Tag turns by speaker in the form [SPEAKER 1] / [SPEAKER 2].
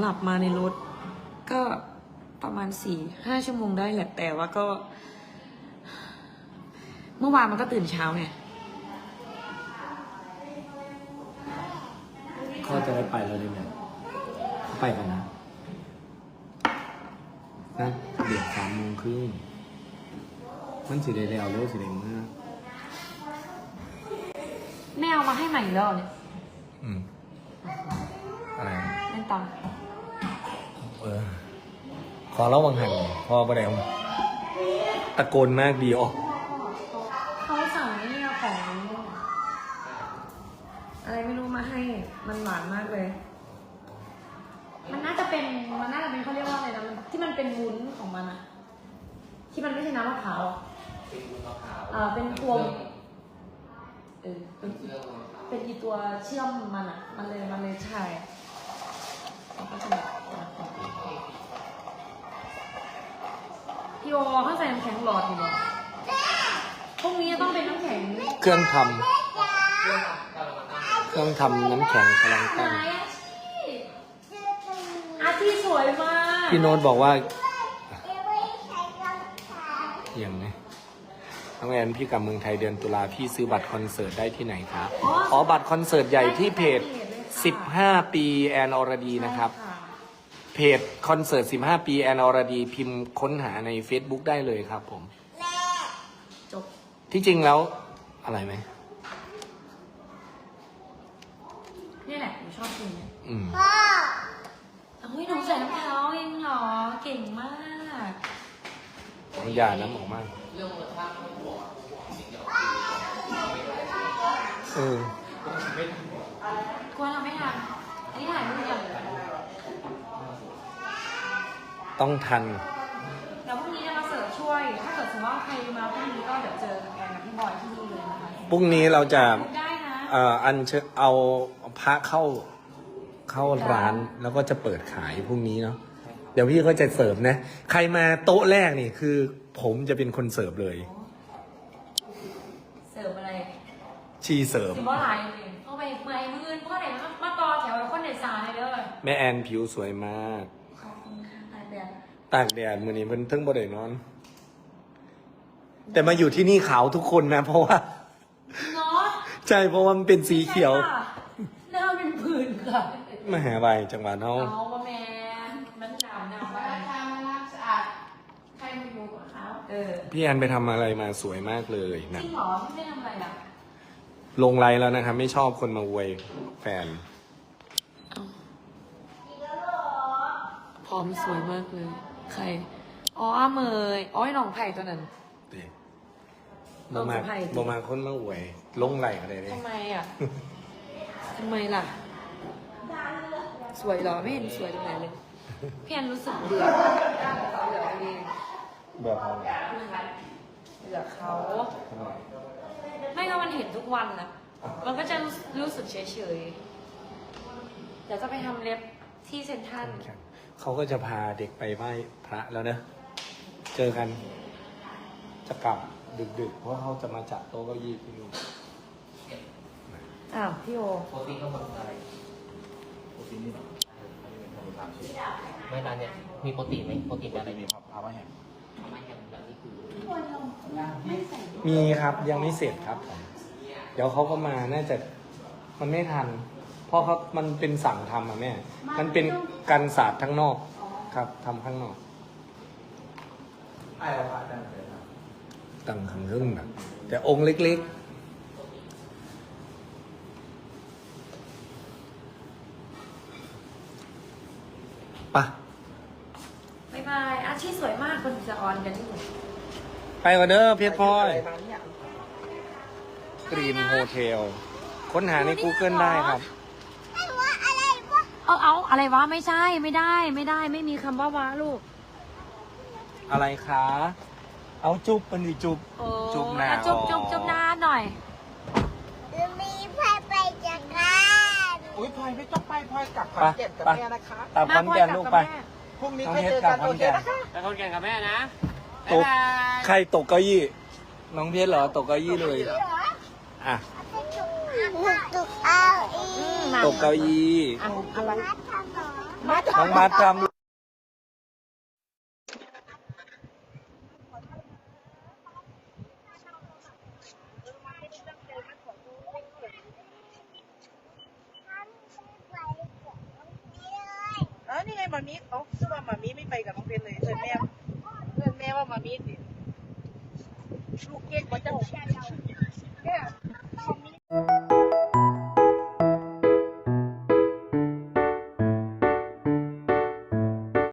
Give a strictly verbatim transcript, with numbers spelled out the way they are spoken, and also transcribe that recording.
[SPEAKER 1] ลับมาในรถก็ประมาณสี่ห้าชั่วโมงได้แหละแต่ว่าก็ เมื่อวานมันก็ตื่นเช้าไง
[SPEAKER 2] ก็จะได้ไปแล้วดิเนี่ยไปกันนะนะเดี๋ยวสามโมงครึ่งมันสิได้แล้วเร็วสิได้มาก
[SPEAKER 1] แม่เอามาให้ใหม่แล้วเนี่ย
[SPEAKER 2] อืมอะไร
[SPEAKER 1] เล่นต่อ
[SPEAKER 2] เออขอเล่าบางหันพอประเดี๋ยวตะโกนมากดีออก
[SPEAKER 1] เขาสั่งนี่ของอะไรไม่รู้มาให้มันหวานมากเลย มันน่าจะเป็นมันน่าจะเป็นเขาเรียกว่าอะไรนะที่มันเป็นวุ้นของมันอะที่มันไม่ใช่น้ำมะพร้าวอะเออเป็นตัวเออเป็นเป็นอีตัวเชื่อมมันอะมันเลยมันเลยใช่แล้วก็จะแบบพี่โอเขาใส่น้ำแข็งหลอดอยู่หรอพรุ่งนี้ต้องเป็นน้ำแข็ง
[SPEAKER 2] เครื่องทำเครื่องทำน้ำแข็งกำลังตั้ง
[SPEAKER 1] อาที่สวยมาก
[SPEAKER 2] พี่โน้ตบอกว่าอย่างนี้น้องแอนพี่กลับเมืองไทยเดือนตุลาพี่ซื้อบัตรคอนเสิร์ตได้ที่ไหนครับอ๋อบัตรคอนเสิร์ตใหญ่ที่เพจสิบห้าปีแอนอรดีนะครับเพจคอนเสิร์ตสิบห้าปีแอนอรดีพิมพ์ค้นหาใน Facebook ได้เลยครับผม
[SPEAKER 1] จบ
[SPEAKER 2] ที่จริงแล้วอะไรไหม
[SPEAKER 1] นี่แหละหนูชอบกินเนี่ย
[SPEAKER 2] อืม
[SPEAKER 1] โอ้ยหนูใส่น้ำเท้าเองเหรอเก่งมาก
[SPEAKER 2] อย่าน้ำออกมากเออ
[SPEAKER 1] ควรเราไม่ทันอันนี้ถ่ายรูปอย่าง
[SPEAKER 2] ต้องทัน
[SPEAKER 1] แล้วพรุ่งนี้จะมาเสิร์ฟช่วยถ้าเกิดสมมติว่าใครมาพรุ่งนี้ก็เดี๋ยวเจอกับแอนกับพี่บอยที่นี่เลยนะคะ
[SPEAKER 2] พรุ่งนี้เราจะ
[SPEAKER 1] ได้นะ
[SPEAKER 2] เอ่ออันเชิญเอาพระเข้าเข้าร้านแล้วก็จะเปิดขายพรุ่งนี้เนาะเดี๋ยวพี่ก็จะเสิร์ฟนะใครมาโต๊ะแรกนี่คือผมจะเป็นคนเสิร์ฟเลย
[SPEAKER 1] เสิร์ฟอะไร
[SPEAKER 2] ชีเสิร์ฟ
[SPEAKER 1] สิบว่าหลายเลยเข้าไปเมื่อยมือเพราะไหนมาต่อแถวคนเด็ดสาเลยเด้อ
[SPEAKER 2] แม่แอนผิวสวยมาก
[SPEAKER 1] ขอบคุณค่ะตากแดด
[SPEAKER 2] ตากแดดมื้อนี้เพิ่นเพิ่งบ่ได้นอนแต่มาอยู่ที่นี่ขาวทุกคนนะเพราะว่า
[SPEAKER 1] เนาะ
[SPEAKER 2] ใช่เพราะว่ามันเป็นสีเขียว
[SPEAKER 1] หน้าเป็นผื่นค่ะ
[SPEAKER 2] มหาวิทยาลัยจังหวัดเฮา
[SPEAKER 1] เอาว่าแม่มันดำดำว่าทำรักสะอาดใครมาอยู่กับเขาเออ
[SPEAKER 2] พี่แอนไปทำอะไรมาสวยมากเลยนะ
[SPEAKER 1] จริงเหรอพี่ไม่ทำอะไรอ่ะ
[SPEAKER 2] ลงไลน์แล้วนะครับไม่ชอบคนมาอวยแฟน
[SPEAKER 1] พร้อมสวยมากเลยใครอ๋อเมยอ๋อไอ้น้องไผ่ตัวนั้น
[SPEAKER 2] บ่มาบ่มาคนมาอวยลงไลน์อะไรเลย
[SPEAKER 1] ทำไมอ่ะทำไมล่ะสวยเหรอไม่เห็นสวยตรงไหนเลยพี่แอนรู้สึกเบื่อเบื่อเอง
[SPEAKER 2] เบื่อเขา
[SPEAKER 1] เบื่อเขาไม่ก็มันเห็นทุกวันนะมันก็จะรู้สึกเฉยๆเดี๋ยวจะไปทำเล็บที่เซ็นทรัล
[SPEAKER 2] เขาก็จะพาเด็กไปไหว้พระแล้วนะเจอกันจะกลับดึกๆเพราะเขาจะมาจัดโต๊ะเก้าอี้ที่นู่น
[SPEAKER 1] อ้าวพี่โอ
[SPEAKER 3] โปรตีนก็หมดอะไรโปรตีนนี่หรอไม่ร้านเนี่ยมีโปรตีนไหมโปรตีนอะไรมีครับพามาแฮมพามาแฮมแบบนี้คือ
[SPEAKER 2] มีครับยังไม่เสร็จครับผมเดี๋ยวเขาก็มาน่าจะมันไม่ทันเพราะเขามันเป็นสั่งทำอะแม่มันเป็นการศาสตร์ทั้งนอกครับทำข้างนอก
[SPEAKER 3] ไอ้เราผ่านได้เลยครับ
[SPEAKER 2] ตั้งขังรึ่งนะแต่องค์เล็กๆปะ
[SPEAKER 1] บายบายอาชีพสวยมากคนจะออนกันที่ไหน
[SPEAKER 2] ไปก่อนเด้อเพชรพลอยกรีนโฮเทลค้นหาใน Google ได้ครับ
[SPEAKER 1] เอาเอาอะไรวะไม่ใช่ไม่ได้ไม่ได้ไม่มีคำว่าวะลูก
[SPEAKER 2] อะไรคะเอาจุ๊บมันดิจุ๊บ
[SPEAKER 1] จุ๊บหน้าจุ๊บจุ๊บจุ๊บหน้าหน่อย
[SPEAKER 4] มีพายไปจากกัน
[SPEAKER 3] อุ้ยพลอยไม่ต้องไปพลอยกลับขอนแก่นกับแม่นะคะ
[SPEAKER 2] ตามขอนแก่นลูกไป
[SPEAKER 3] พรุ่งนี้ค่อยเจอกันโอเคนะคะ
[SPEAKER 1] ไปขอนแก่นกับแม่นะ
[SPEAKER 2] ตกใครตกเก้าอี้น้องเพชรเหรอตกเก้าอี้เลยอ่ะ
[SPEAKER 4] ตกเก้าอี้
[SPEAKER 2] ตกเก้าอี้
[SPEAKER 1] อะไร
[SPEAKER 2] น้องมาทำ
[SPEAKER 5] เออนี่ไงมามีเขาคือว่ามามีไม่ไปกับน้องเพชรเลยเพื่อนแม่เพื่อนแม่ว่ามามีสิลูกเก๊กว่าเจ้า